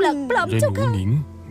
ปลักปลอมเจ้าค่ะหนิง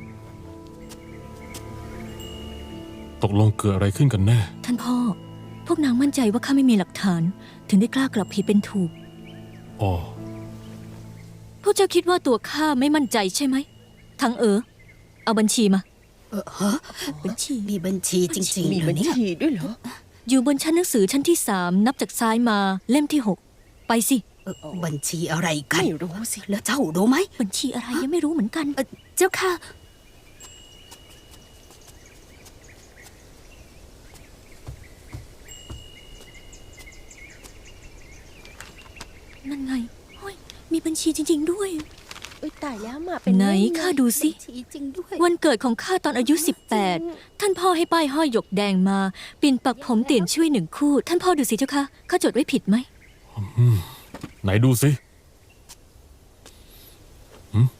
ตกลงเกิดอะไรขึ้นกันแน่ท่านพ่อ พวกนางมั่นใจว่าข้าไม่มีหลักฐาน ถึงได้กล้ากลับผิดเป็นถูกอ๋อพวกเจ้าคิดว่าตัวข้าไม่มั่นใจใช่ไหมทั้งเอาบัญชีมา บัญชีมีบัญชีจริงๆมีเหรบัอญเนี่ยชีด้วยเหรออยู่บนชั้นหนังสือชั้นที่3นับจากซ้ายมาเล่มที่ 6 ไปสิบัญชีอะไรกันไม่รู้สิแล้วเจ้ารู้ไหมบัญชีอะไรยังไม่รู้เหมือนกันเจ้าค่ะนั่นไงเฮ้ยมีบัญชีจริง ๆ ด้วยอุ้ยตายแล้วมาเป็นไหนเรื่องข้าดูสิบัญชีจริงด้วยวันเกิดของข้าตอนอายุ 18 ท่านพ่อให้ป้ายห้อยหยกแดงมาปิ่นปักผมเตียนช่วย1 คู่ ท่านพ่อดูสิเจ้าค่ะข้าจดไว้ผิดไหมไหนดูสิหึ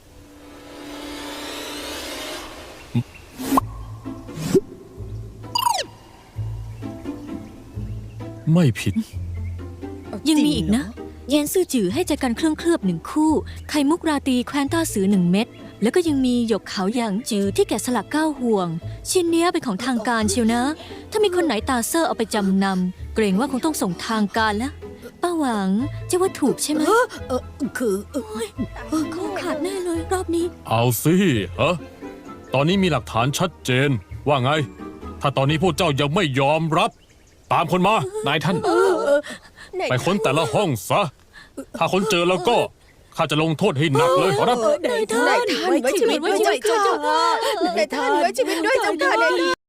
ไม่ผิดยังมีอีกนะ เย็นซื่อจือให้ใจกันเครื่องเคลือบ1 คู่ ไข่มุกราตรีแคว้นต้าสือ1 เม็ด แล้วก็ยังมีหยกขาวหยางจือที่แกะสลัก9 ห่วง ชิ้นเนี้ยเป็นของทางการเชียวนะ ถ้ามีคนไหนตาเซอร์เอาไปจำนำเกรงว่าคงต้องส่งทางการแล้ว ป้าหวังจะว่าถูกใช่ไหมคือเขาขาดแน่เลยรอบนี้เอาสิฮะตอนนี้มีหลักฐานชัดเจน ว่าไง ถ้าตอนนี้พวกเจ้ายังไม่ยอมรับ ตามคนมา นายท่าน ไปค้นแต่ละห้องซะ ถ้าค้นเจอแล้วก็ข้าจะลงโทษให้หนักเลยขอรับนายท่านไว้ชีวิตด้วยเจ้าค่ะนายท่านไว้ชีวิตด้วยเจ้าค่ะ